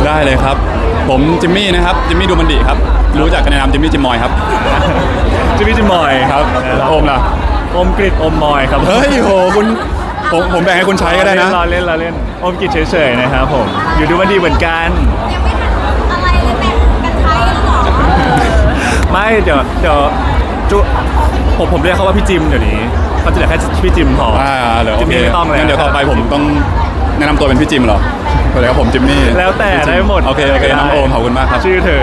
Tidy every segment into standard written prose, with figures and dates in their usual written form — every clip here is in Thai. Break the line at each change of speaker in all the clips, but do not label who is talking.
ได้เลยครับผมจิมมี่นะครับจิมมี่ดูมันดีครับรู้จักกันในนามจิมมี่จิมมอยครับ
จิมมี่จิมมอยครับ
โอมล่ะ
โอมกริดโอมมอยครับ
เฮ้ยโหคุณผมแบ่งให้คุณใช้ก็ได้นะ
เราเล่นโอมกริดเฉยๆนะครับผมอยู่ดูมันดีเหมือนกัน
ยังไม่ทันอะไรเลยแบ่งกันใช้แล้วหรอ
ไม่เดี๋ยวจุผมเรียกเขาว่าพี่จิมเดี๋ยวนี้เขาจะเรียกแค่พี่จิมพอ
เดี๋ยวโอเค
ไม่ต้องเลย
งั้นเดี๋ยวต่อไปผมต้องแนะนำตัวเป็นพี่จิมเหรอสวัสดีครับผมจิมมี่
แล้วแต่ได้หมด
โอเคน้องโอมขอบคุณมากครับ
ชื่อเธอ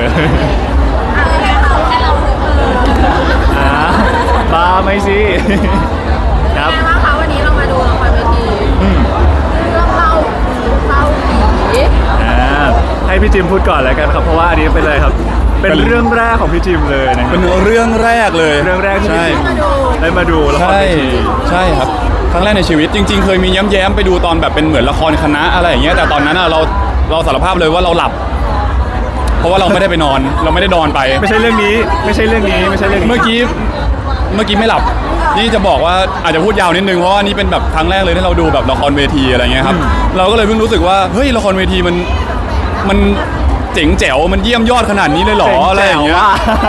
บ้าไม่สิ
ครับนะคะวันนี้เรามาดูละครเวทีเรื่องเล่าผี
ให้พี่จิมพูดก่อนแล้วกันครับเพราะว่าอันนี้เป็นอะไรครับเป็นเรื่องแรกของพี่จิมเลยนะ
เป็นเรื่องแรกเลย
เรื่องแรกที่ได้มาดูละครเวที
ใช่ครับครั้งแรกในชีวิตจริงๆเคยมีแย้มๆไปดูตอนแบบเป็นเหมือนละครคณะอะไรอย่างเงี้ยแต่ตอนนั้นเราสารภาพเลยว่าเราหลับเพราะว่าเราไม่ได้ไปนอนเราไม่ได้นอนไป
ไม่ใช่เรื่องนี้เมื่
อกี้ไม่หลับนี่จะบอกว่าอาจจะพูดยาวนิดนึงเพราะว่านี่เป็นแบบครั้งแรกเลยที่เราดูแบบละครเวทีอะไรเงี้ยครับเราก็เลยเพิ่งรู้สึกว่าเฮ้ยละครเวทีมันเจ๋งแจ๋วมันเยี่ยมยอดขนาดนี้เลยหรออะไรอย่างเงี้ย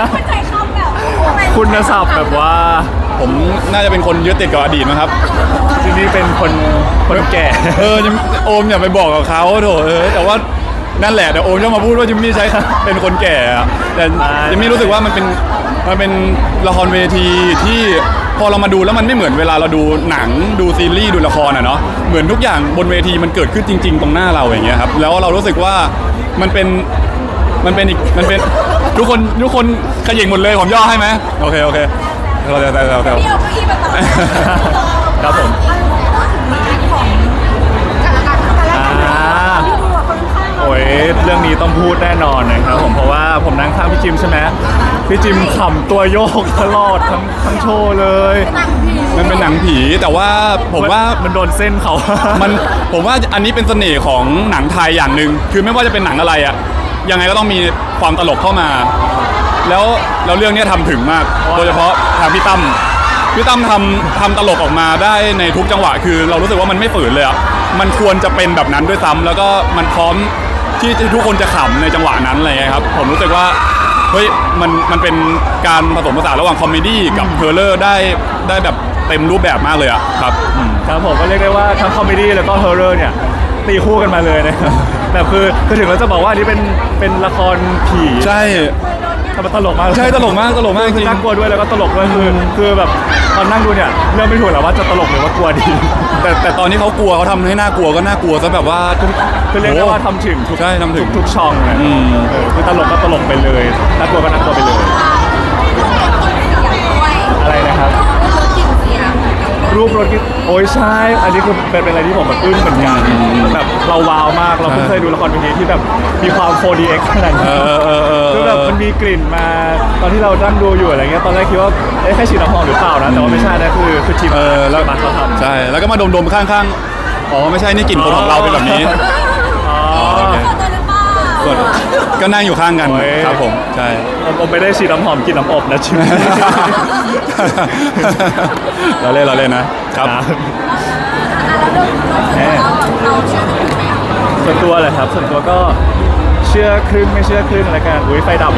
คุณศัพท์แบบว่า
ผมน่าจะเป็นคนยึดติดกับอดีตนะครับ
ที่นี่เป็นคนแก่
โอมอย่าไปบอกกับเขาโถแต่ว่านั่นแหละแต่โอมจะมาพูดว่าจิมมี่ใช้เป็นคนแก่แต่จิมมี่รู้สึกว่ามันเป็นละครเวทีที่พอเรามาดูแล้วมันไม่เหมือนเวลาเราดูหนังดูซีรีส์ดูละครเนาะเหมือนทุกอย่างบนเวทีมันเกิดขึ้นจริงๆตรงหน้าเราอย่างเงี้ยครับแล้วเรารู้สึกว่ามันเป็นทุกคนขยิงหมดเลยผมย่อให้ไหมโอเคเรา
เดี๋ยวก็อีมาต่อ
ครับผมโอ้ยเรื่องนี้ต้องพูดแน่นอนนะครับผมเพราะว่าผมนั่งข้างพี่จิมใช่ไหมพี่จิมขำตัวโยกตลอดทั้งโชว์เลย
มันเป็นหนังผีแต่ว่าผมว่า
มันโดนเส้นเขา
ผมว่าอันนี้เป็นเสน่ห์ของหนังไทยอย่างหนึ่งคือไม่ว่าจะเป็นหนังอะไรอะยังไงก็ต้องมีความตลกเข้ามาแล้วเรื่องนี้ทำถึงมากโดยเฉพาะทางพี่ตั้มทำตลกออกมาได้ในทุกจังหวะคือเรารู้สึกว่ามันไม่ฝืนเลยอ่ะมันควรจะเป็นแบบนั้นด้วยซ้ำแล้วก็มันพร้อมที่ทุกคนจะขำในจังหวะนั้นอะไรเงี้ยครับผมรู้สึกว่าเฮ้ยมันเป็นการผสมผสานระหว่างคอมเมดี้กับเฮอร์เรอร์ได้แบบเต็มรูปแบบมากเลยอ่ะครับ
ครับผมก็เรียกได้ว่าทั้งคอมเมดี้แล้วก็เฮอร์เรอร์เนี่ยตีคู่กันมาเลยนะครับแบบคือถึงเราจะบอกว่าอันนี้เป็นละครผี
ใช่
มันตลกมาก
ใช่ตลกมาก
จริงน่ากลัวด้วยแล้วก็ตลกด้วยคือแบบตอนนั่งดูเนี่ยเรื่องไม่ถูกหรอกว่าจะตลกหรือว่ากลัวดี
แต่ตอนนี้เขากลัวเขาทำให้น่ากลัวก็น่ากลัวซะแบบว่า
คือเรียกได้ว่าทำถึงทุกช่องเลยคือตลกก็ตลกไปเลยน่ากลัวก็น่ากลัวไปเลยอะไรนะครับรูปรถโอ้ยใช่อันนี้คือเป็นอะไรที่ผมแบบอึ้งเหมือนกันแบบเราว้าวมากเราเพิ่งเคยดูละครเวทีที่แบบมีความ 4DX ขนาดนี้คือแบบมันมีกลิ่นมาตอนที่เรานั่งดูอยู่อะไรเงี้ยตอนแรกคิดว่าแค่ฉีดน้ำหอมหรือเปล่านะแต่ว่าไม่ใช่นะคือทีม
แล้ว
มันเขาทำ
ใช่แล้วก็มาดมข้างๆอ๋อไม่ใช่นี่กลิ่นคนของเราเป็นแบบนี้ก็นั่งอยู่ข้างกันครับผมใช่
ผมไม่ได้ฉีดน้ำหอมกินน้ำอบนะชิม
เราเล่นนะครับ
ส่วนตัวเลยครับส่วนตัวก็เชื่อครึ่งไม่เชื่อครึ่งอะไรกันไฟดับ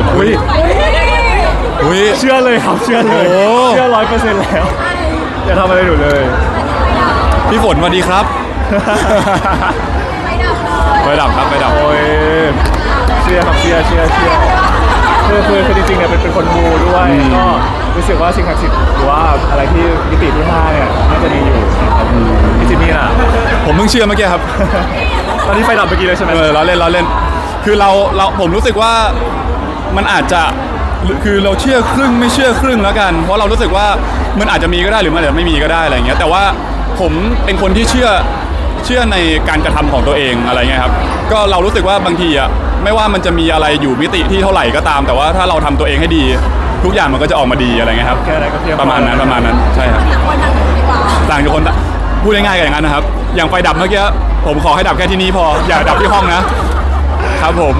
เชื่อเลยครับเชื่อเลยเชื่อ100%แล้วอย่าทำอะไรหนูเลย
พี่ฝนสวัสดีครับไฟดับครับไฟดับ
โอ้ยเชื่อครับเชื่อคือจริงๆเนี่ยเป็นคนมูด้วยก็รู้สึกว่าสิ่งศักดิ์สิทธิ์หรือว่าอะไรที่มิติที่5เนี่ยน่าจะมีอยู่พี่จิมมี่น่ะ
ผมเพิ่งเชื่อเมื่อกี้ครับ
ตอนนี้ไฟดับเมื่อกี้เลยใช่ไหม
เราเล่นคือเราผมรู้สึกว่ามันอาจจะคือเราเชื่อครึ่งไม่เชื่อครึ่งแล้วกันเพราะเรารู้สึกว่ามันอาจจะมีก็ได้หรือมันอาจจะไม่มีก็ได้อะไรอย่างเงี้ยแต่ว่าผมเป็นคนที่เชื่อในการกระทำของตัวเองอะไรเงี้ยครับก็เรารู้สึกว่าบางทีอะไม่ว่ามันจะมีอะไรอยู่มิติที่เท่าไหร่ก็ตามแต่ว่าถ้าเราทำตัวเองให้ดีทุกอย่างมันก็จะออกมาดีอะไรเงี้ยครับประมาณนั้นใช่ครับต่างจากคนพูดง่ายๆกันอย่างนั้นนะครับอย่างไฟดับเมื่อกี้ผมขอให้ดับแค่ที่นี้พออย่าดับที่ห้องนะครับผม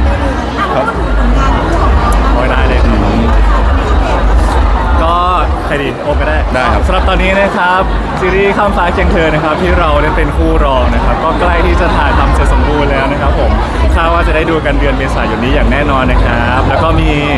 โอ้ยได้เลยก็ครดีโอมก็ได้
ได้ครับ
สำหรับตอนนี้นะครับซีรีส์ข้ามฟ้าเคียงเธอนะครับที่เราเล่นเป็นคู่รองนะครับก็ใกล้ที่จะถ่ายทำเสร็จสมบูรณ์แล้วนะครับผมคาดว่าจะได้ดูกันเดือนเมษายนนี้อย่างแน่นอนนะครับแล้วก็มี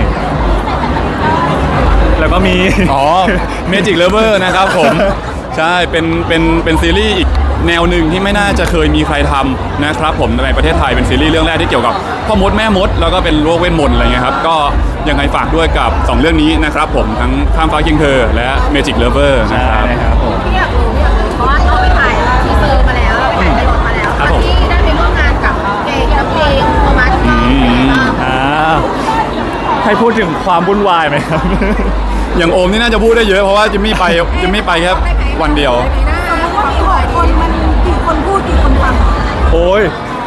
อ๋อ Magic Lover นะครับผม ใช่เป็นซีรีส์อีกแนวหนึ่งที่ไม่น่าจะเคยมีใครทำนะครับผมในประเทศไทยเป็นซีรีส์เรื่องแรกที่เกี่ยวกับพ่อมดแม่มดแล้วก็เป็นโรคเวทมนต์อะไรเงี้ยครับก็ยังไงฝากด้วยกับ 2 เรื่องนี้นะครับผมทั้งข้ามฟ้าเคียงเธอและ Magic Lover
ใช่
นะครับ
นะครับผม
พี่อยากรู้เพราะว่าเราไปถ่ายทีเซอร์มาแล้วเราไปถ่ายไพลอตมาแล้ว
ครับผม
ที่ได้ไปร่วมงานกับเกย์กับเพลงโทมัสเป็นไงบ้าง
ให้พูดถึงความวุ่นวายไหมครับ
อย่างโอมนี่น่าจะพูดได้เยอะเพราะว่าจิมมี่ไปแค่วันเดียว
สมมติว่ามี6 คนมันกี่คนพูดกี่คนฟัง
โอ้ย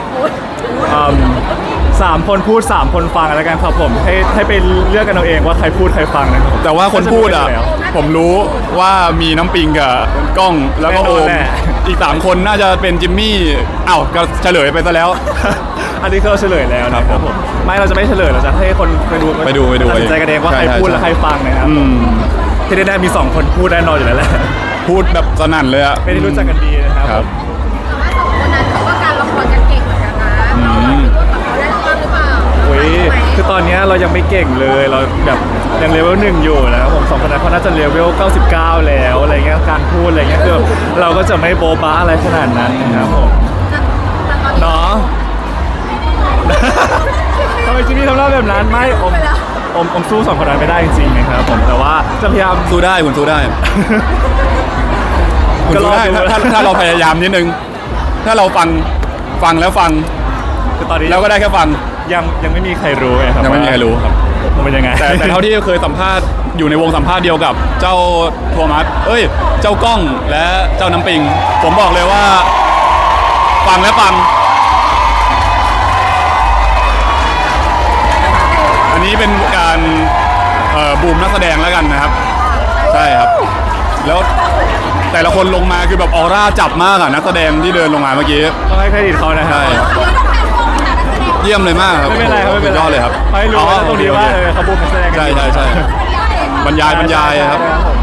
3 คนพูด3 คนฟังแล้วกันครับผมให้ไปเลือกกันเอาเองว่าใครพูดใครฟังนะครับ
แต่ว่าคนพูดอ่ะ
น่าจะรู้อยู่แล้ว
ผมรู้ว่ามีน้ำปิงกับกล้องแล้วก็โอม
แน่นอนแน่
อีก 3 คนน่าจะเป็นจิมมี่อ้าวก็เฉลยไปซะแล้ว
อันนี้ก็เฉลยแล้วนะค
ครั
รับบ
ผม
ไม่เราจะไม่เฉลยเราจะให้คนไปดู
ไปดู
ตัดสินใจกันเองว่า
ใช่
ใครพูด
ใช่
และใครฟังนะครับ
อืม
ที่ได้มี2 คนพูดแน่นอนอยู่แล้วแหละ
พูดแบบสนั่นเลยอะ
ไม่ได้รู้จักกันดีนะครับ
ครับ
แต่ว่า2 คนนั้นเขาก็การละครกันเก่งเหมือนกันนะเราคิดว่าเขาได้รางวัลหรือเปล่า
โอ้ยคือตอนเนี้ยเรายังไม่เก่งเลยเราแบบยังเลเวล1อยู่นะครับผม2 คนนั้นเขาน่าจะเลเวล99แล้วอะไรเงี้ยการพูดอะไรเงี้ยคือเราก็จะไม่โบ๊ะบ้าอะไรขนาดนั้นนะครับผม
แต่ตอนนี้
เนาะ ทำไมจิมมี่ทำหน้าแบบนั้นไม่อมสู้2 คนนั้นไม่ได้จริงๆนะครับผมแต่ว่าจะพยายาม
สู้ได้คุณสู้ได้คุณ
ก็ร
สู้
อ
ได้
ดู
ถ้าเราพยายามนิดนึง ถ้าเราฟังแล้วฟัง
คือตอนนี้
แล้วก็ได้แค่ฟัง
ยังไม่มีใครรู้ไงครับ
ยังไม่มีใครรู้ครับ
ว่ามันเป็นยังไง
แต่เท่าที่เคยสัมภาษณ์อยู่ในวงสัมภาษณ์เดียวกับเจ้าโทมัสเจ้ากล้องและเจ้าน้ำปิง ผมบอกเลยว่า ฟังและฟัง อันนี้เป็นการบูมนักแสดงแล้วกันนะครับ ใช่ครับ แล้วแต่ละคนลงมาคือแบบออร่าจับมากอะนักแสดงที่เดินลงมาเมื่อกี้
ต้องให้เครดิตเขานะครับ
ใช่
เราต้องแต่งตัวเป็นนักแสดง
เยี่ยมเลยมากครับ
ไม่เป็นไรครับไม่เป็น
สุด
ไร
ยอดเลยครับ
ให้รู้ว่าตรงนี้ว่าเขาบูมนักแสดงกัน
ใช่
อยู่
ใช่บรรยายครับ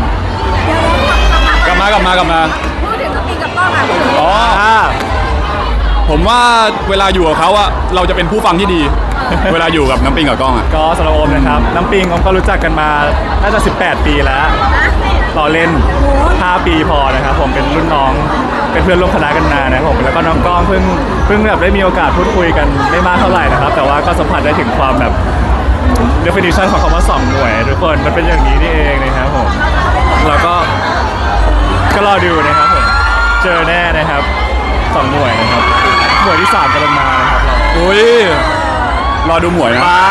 กลับมา
พูดถึงน้ำปิงกับกล้องอ่ะ
อ๋อ
อ่า
ผมว่าเวลาอยู่กับเขาอะเราจะเป็นผู้ฟังที่ดี เวลาอยู่กับน้ำปิงกับกล้องอะ
ก็สำหรับโอมนะครับน้ำปิงผมก็รู้จักกันมาน่าจะ18 ปีแล้วต่อเล่น 5 ปีพอนะครับผมเป็นรุ่นน้องเป็นเพื่อนร่วมคณะกันนานนะครับผมแล้วก็น้องกล้องเพิ่งแบบได้มีโอกาสพูดคุยกันไม่มากเท่าไหร่นะครับแต่ว่าก็สัมผัสได้ถึงความแบบ definition ของคำว่า2 หน่วยทุกคนมันเป็นอย่างนี้นี่เองนะครับผมแล้วก็รอดูนะครับผมเจอแน่นะครับ2 หน่วยนะครับหน่วยที่3กำลังมานะครับเรา
อุ้ยรอดูหมวยนะ
ป้า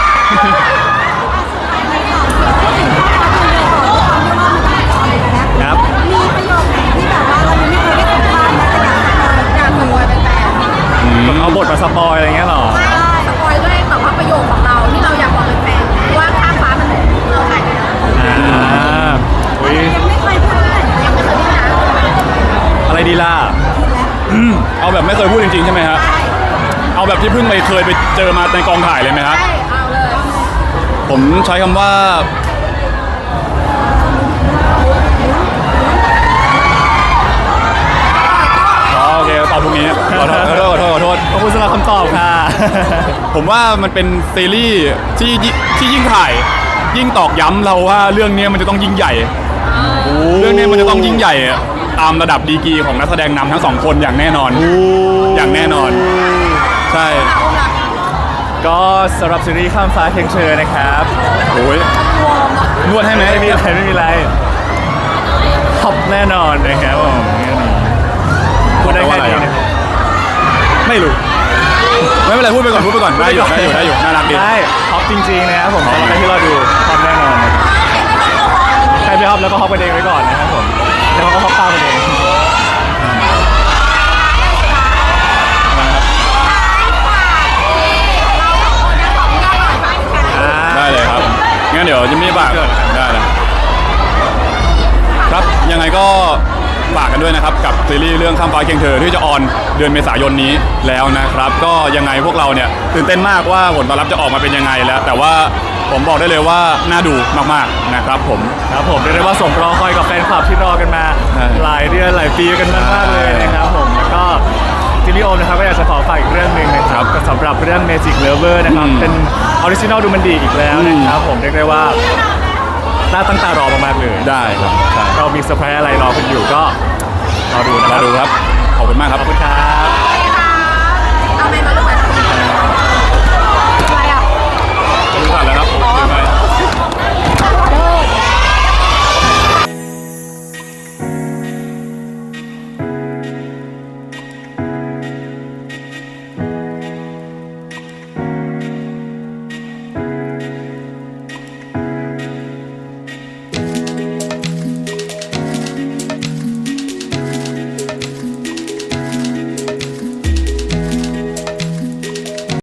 ครับ
มีประโยคไหนที่แบบว่าเรายังไม่เคยได้สัมภาษณ์นะแต่อยากสปอยเป็นแฟน
เอาบทมาสปอยอะไรเงี้ยเหรอ
สปอยด้วยแบบว่าประโยคของเราที่เราอยากบอกเป็นแฟนว่าข้ามฟ้ามันเราถ่ายไปแล้ว
อุ้ย
ยังไม่เคยพูดเลยยังไม่เคยพูดนะ
อะไรดีล่ะ
เอาแบบไม่เคยพูดจริงๆใช่ไหมฮะ
ใช่
เอาแบบที่เพิ่งเคยไปเจอมาในกองถ่ายเลยไหมฮะ
ใช่เอาเลย
ผมใช้คำว่าอ๋อโอเคตอบพวกนี้ขอโทษ
ขอบคุณสำหรับคำตอบค่ะ
ผมว่ามันเป็นซีรีส์ที่ยิ่งถ่าย ยิ่งตอกย้ำเราว่าเรื่องนี้มันจะต้องยิ่งใหญ่ เรื่องนี้มันจะต้องยิ่งใหญ่ตามระดับดีกรีของนักแสดงนำทั้งสองคนอย่างแน่นอน อย่างแน่นอน ใช่
ก็สำหรับซีรีส์ข้ามฟ้าเคียงเธอนะครับ
โอ้ยนวดให้ไหม
ไม่มีอะไรท็อปแน่นอนนะครับผมพูดได้แค่นี้นะครับไม่รู้
ไม่เป็นไรพูดไปก่อนได้อยู่น่ารักดี
ได้ท็อปจริงๆนะครับผมสำหรับใครที่รอดูท็อปแน่นอนนะครับใครไม่ท็อปแล้วก็ฮอปกันเองไว้ก่อนนะครับผมแล้วเขาก็ฮอปตามกันเอง
ได้เลยครับ งั้นเดี๋ยวจิมมี่ฝากได้เลยครับ ยังไงก็ฝากกันด้วยนะครับกับซีรีส์เรื่องข้ามฟ้าเคียงเธอที่จะออนเดือนเมษายนนี้แล้วนะครับ ก็ยังไงพวกเราเนี่ยตื่นเต้นมากว่าผลตอบรับจะออกมาเป็นยังไงแล้ว แต่ว่าผมบอกได้เลยว่าน่าดูมากๆนะครับผม
ครับผมเรียกได้ว่าสมรอคอยกับแฟนคลับที่รอกันมา
ใช่
หลายเดือนหลายปีกันมากๆเลยนะครับผมแล้วก็ทีนี้โอมนะครับก็อยากจะขอฝากอีกเรื่องหนึ่งนะครับก็สำหรับเรื่อง Magic Lover นะครับเป็นออริจินอลดูมันดีอีกแล้วนะครับผมเรียกได้ว่าน่าตั้งตารอมากๆเลย
ได้ครับใช่
เรามีเซอร์ไพรส์อะไรรอคุณอยู่ก็รอดูนะค
มา
รับ
ดูครับขอบคุณมากครับ
ขอบคุณครับ
เอาไปมาลูกไป